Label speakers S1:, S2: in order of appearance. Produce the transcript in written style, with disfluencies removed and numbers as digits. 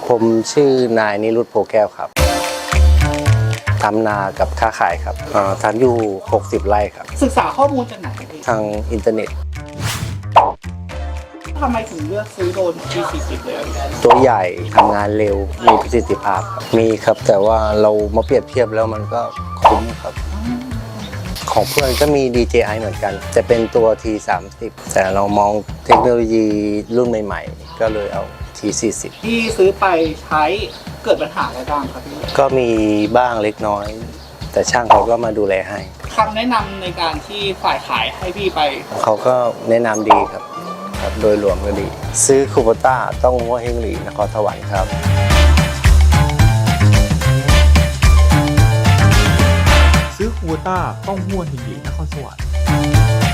S1: ผมชื่อนายนิรุตโพแก้วครับทำนากับค้าขายครับทำอยู่60 ไร่ครับ
S2: ศึกษาข้อมูลจากไหนพี่
S1: ทางอินเทอร์เน็ต
S2: ทำไมถึงเลือกซื้อโดรน G40 เลย
S1: ตัวใหญ่ทำงานเร็วมีประสิทธิภาพครับมีครับแต่ว่าเรามาเปรียบเทียบแล้วมันก็คุ้มครับของเพื่อนก็มี DJI เหมือนกันจะเป็นตัว T30 แต่เรามองเทคโนโลยีรุ่นใหม่ๆก็เลยเอา T40
S2: ที่ซื้อไปใช้เกิดปัญหาอะไรบ้างครับพี่
S1: ก็มีบ้างเล็กน้อย แต่ช่างเขาก็มาดูแลให้
S2: คำแนะนำในการที่ฝ่ายขายให้พี่ไป
S1: เขาก็แนะนำดีครับโดยรวมก็ดี ซื้อคูโบต้าต้องหัวเฮงหลีนครสวรรค์ครับ
S3: ซื้อคูโบต้าต้องหัวหินหลีนครสวรรค์